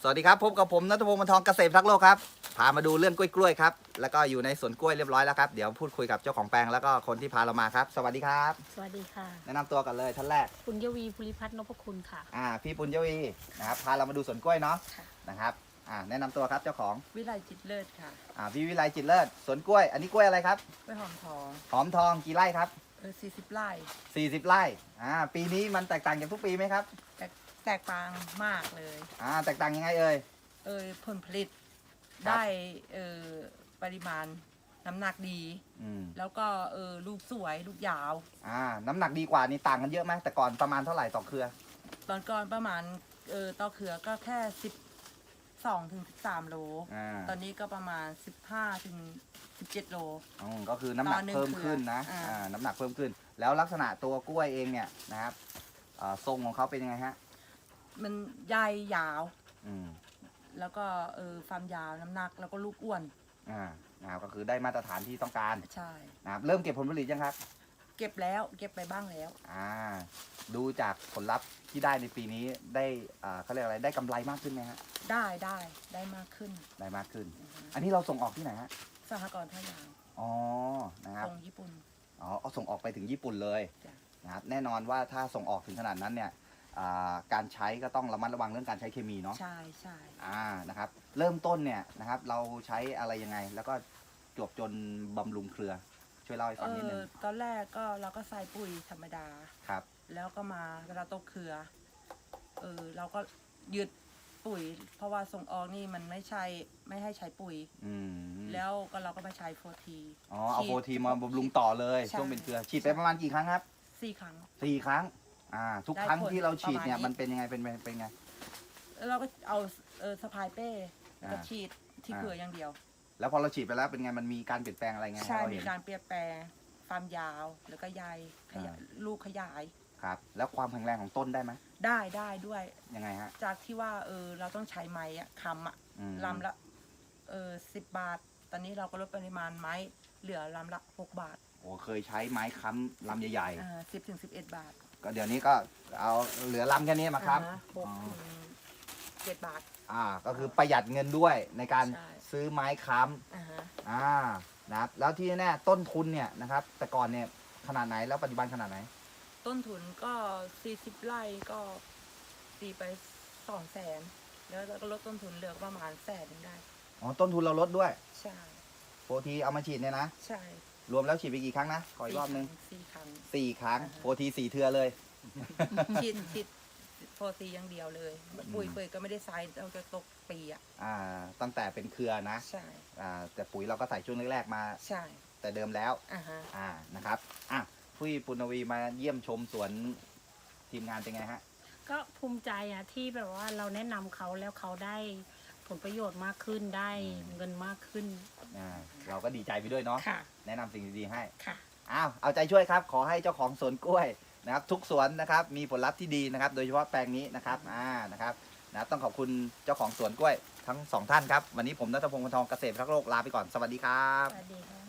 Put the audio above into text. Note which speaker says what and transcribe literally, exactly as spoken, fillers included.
Speaker 1: สวัสดีครับพบกับผมณัฐพงศ์ บรรทองเกษตรรักโลกครับพามาดูเรื่องกล้วยๆครับแล้วก็อยู่ในสวนกล้วยเรียบร้อยแล้วครับเดี๋ยวพูดคุยกับเจ้าของแปลงแล้วก็คนที่พาเรามาครับสวัสดีครับ
Speaker 2: สวัสดีค่ะ
Speaker 1: แนะนำตัวกันเลยท่านแรก
Speaker 2: ปุญญวีภูริพัฒน์นพคุณค่ะ
Speaker 1: อ่าพี่ปุญญวีนะครับพาเรามาดูสวนกล้วยเนาะ
Speaker 2: ค่ะ
Speaker 1: นะครับอ่าแนะนำตัวครับเจ้าของ
Speaker 3: วิไลจิตเลิศค่ะ
Speaker 1: อ่าพี่วิไลจิตเลิศสวนกล้วยอันนี้กล้วยอะไรครับ
Speaker 3: กล้วยหอมทอง
Speaker 1: หอมทองกี่ไร่ครับ
Speaker 3: เออสี่สิบไร่
Speaker 1: สี่สิบไร่อ่าปีนี้มันแตกต่างจากทุกปีไหมครับ
Speaker 3: แตกแตกต่างมากเลย
Speaker 1: อ่าแตกต่างยังไงเอ่ย
Speaker 3: เออผลผลิต
Speaker 1: ครับ
Speaker 3: ได้เออปริมาณน้ำหนักดี
Speaker 1: อืม
Speaker 3: แล้วก็เออลูกสวยลูกยาว
Speaker 1: อ่าน้ำหนักดีกว่านี่ต่างกันเยอะไหมแต่ก่อนประมาณเท่าไหร่ต่อเครือ
Speaker 3: ตอนก่อนประมาณเออต่อเครือก็แค่สิบสองถึงสิบสามโล
Speaker 1: อ่า
Speaker 3: ตอนนี้ก็ประมาณสิบห้าถึงสิบเจ็ดโล
Speaker 1: อืมก็คือน้ำหนัก
Speaker 3: ต่อหนึ่ง
Speaker 1: เพิ่มขึ้นนะ
Speaker 3: เครืออ่า
Speaker 1: อ่าน้ำหนักเพิ่มขึ้น แล้วลักษณะตัวกล้วยเองเนี่ยนะครับอ่าทรงของเขาเป็นยังไงฮะ
Speaker 3: มันใยยาว
Speaker 1: อืม
Speaker 3: แล้วก็เออความยาวน้ำหนักแล้วก็ลูกอ้วน
Speaker 1: อ่านะครับก็คือได้มาตรฐานที่ต้องการ
Speaker 3: ใช่
Speaker 1: นะครับเริ่มเก็บผลผลิตยังครับ
Speaker 3: เก็บแล้วเก็บไปบ้างแล้ว
Speaker 1: อ่าดูจากผลลัพธ์ที่ได้ในปีนี้ได้อ่าเขาเรียกอะไรได้กำไรมากขึ้นไหมฮะ
Speaker 3: ได้ได้ได้มากขึ้น
Speaker 1: ได้มากขึ้น อันนี้เราส่งออกที่ไหนฮะ
Speaker 3: สหกรณ์ท่ายาง
Speaker 1: อ๋อนะครับ
Speaker 3: ตรงญี่ปุ่น
Speaker 1: อ๋อเอาส่งออกไปถึงญี่ปุ่นเลย
Speaker 3: จ้ะ
Speaker 1: นะครับแน่นอนว่าถ้าส่งออกถึงขนาดนั้นเนี่ยอ่าการใช้ก็ต้องระมัดระวังเรื่องการใช้เคมีเนาะ
Speaker 3: ใช่ใช่
Speaker 1: อ่า นะครับ เริ่มต้นเนี่ยนะครับ เราใช้อะไรยังไง แล้วก็จวบจนบำรุงเครือ ช่วยเล่าให้
Speaker 3: เอ
Speaker 1: ฟังนิดนึ
Speaker 3: อง ตอนแรกก็เราก็ใส่ปุ๋ยธรรมดา
Speaker 1: ครับ
Speaker 3: แล้วก็มาเวลาตกเครือเออเราก็ยึดปุ๋ย เพราะว่าส่งออกนี่มันไม่ใช่ไม่ให้ใช้ปุ๋ย
Speaker 1: อืม
Speaker 3: แล้วก็เราก็มาใช้โฟที
Speaker 1: อ๋อ เอาโฟทีมาบำรุงต่อเลย
Speaker 3: ใช่
Speaker 1: ช่วงเป็นเครือ ฉีดไปประมาณกี่ครั้งครับ
Speaker 3: สี่ครั้ง
Speaker 1: สี่ครั้ง อ่า ทุก
Speaker 3: ได้
Speaker 1: ครั้ง
Speaker 3: ผล
Speaker 1: ที่เราฉีดเนี่ย
Speaker 3: ประมาณนี้
Speaker 1: มันเป็นยังไง เป็นเป็นเป็นไง
Speaker 3: แล้วเราก็เอาเออสะพายเป้แล้วก็
Speaker 1: อ่า
Speaker 3: ฉีดที่
Speaker 1: อ่า
Speaker 3: เครืออย่างเดียว
Speaker 1: แล้วพอเราฉีดไปแล้วเป็นไง มันมีการเปลี่ยนแปลงอะไรไง
Speaker 3: ใช่
Speaker 1: ให้เรา
Speaker 3: มี
Speaker 1: เห็น
Speaker 3: การเปลี่ยนแปลงความยาวแล้วก็ใยขยาย
Speaker 1: อ่า
Speaker 3: ลูกขยาย
Speaker 1: ครับ แล้วความแข็งแรงของต้นได้ไหม
Speaker 3: ได้ได้ด้วย
Speaker 1: ยังไงฮะ
Speaker 3: จากที่ว่าเออเราต้องใช้ไม้อะคำอะ
Speaker 1: อืม
Speaker 3: ลำละเออสิบบาท ตอนนี้เราก็ลดปริมาณไม้เหลือลำละหกบาท
Speaker 1: โอ้เคยใช้ไม้ค้ำลำใหญ่
Speaker 3: อ่าสิบถึงสิบเอ็ดบาท
Speaker 1: ๆ ก็เดี๋ยวนี้ก็เอาเหลือลำแค่นี้มาครับ
Speaker 3: อ่าหก
Speaker 1: อ๋อ
Speaker 3: ถึงเจ็ดบาท
Speaker 1: อ่า ก็คือประหยัดเงินด้วยในการ
Speaker 3: ใช่
Speaker 1: ซื้อไม้ค้ำ
Speaker 3: อ่าฮะ
Speaker 1: อ่า นะครับ แล้วที่แน่ๆต้นทุนเนี่ยนะครับ แต่ก่อนเนี่ยขนาดไหน แล้วปัจจุบันขนาดไหน
Speaker 3: ต้นทุนก็สี่สิบไร่ก็ตีไปสองแสนแล้วเราก็ลดต้นทุนเหลือประมาณแสนหนึงได้
Speaker 1: อ๋อ ต้นทุนเราลดด้วย
Speaker 3: ใช่
Speaker 1: โฟทีเอามาฉีดเนี่ยนะ
Speaker 3: ใช่
Speaker 1: รวมแล้วฉีดไปกี่ครั้งนะ ขออีกรอบนึง
Speaker 3: สี่ครั้ง
Speaker 1: สี่ครั้ง
Speaker 3: อ่าฮะ
Speaker 1: โฟทีสี่เทือเลย
Speaker 3: ฉีดฉีดโฟซีอย่างเดียวเลย ปุ๋ยเปยก็ไม่ได้ใช้เราจะตกปีอ่ะ
Speaker 1: อ่า ตั้งแต่เป็นเครือนะ
Speaker 3: ใช่
Speaker 1: อ่า แต่ปุ๋ยเราก็ใส่ช่วงแรกๆมา
Speaker 3: ใช่
Speaker 1: แต่เดิมแล้ว
Speaker 3: อ่าฮะ
Speaker 1: อ่า นะครับ อ่ะพี่ปุณวีมาเยี่ยมชมสวนทีมงานเป็นไงฮะ
Speaker 2: ก็ภูมิใจอะที่แบบว่าเราแนะนำเขาแล้วเขาได้ผลประโยชน์มากขึ้นได้
Speaker 1: อืม
Speaker 2: เงินมากขึ้น
Speaker 1: อ่า เราก็ดีใจไปด้วยเนาะ
Speaker 2: ค่ะ
Speaker 1: แนะนำสิ่งดีๆให้
Speaker 2: ค่ะ
Speaker 1: อ้าว เอาใจช่วยครับ ขอให้เจ้าของสวนกล้วยนะครับ ทุกสวนนะครับ มีผลลัพธ์ที่ดีนะครับ โดยเฉพาะแปลงนี้นะครับ อ่า นะครับนะต้องขอบคุณเจ้าของสวนกล้วยทั้งสองท่านครับ วันนี้ผมณัฐพงศ์ บรรทองเกษตรรักโลกลาไปก่อน สวัสดีครับ
Speaker 2: สวัสดีค่ะ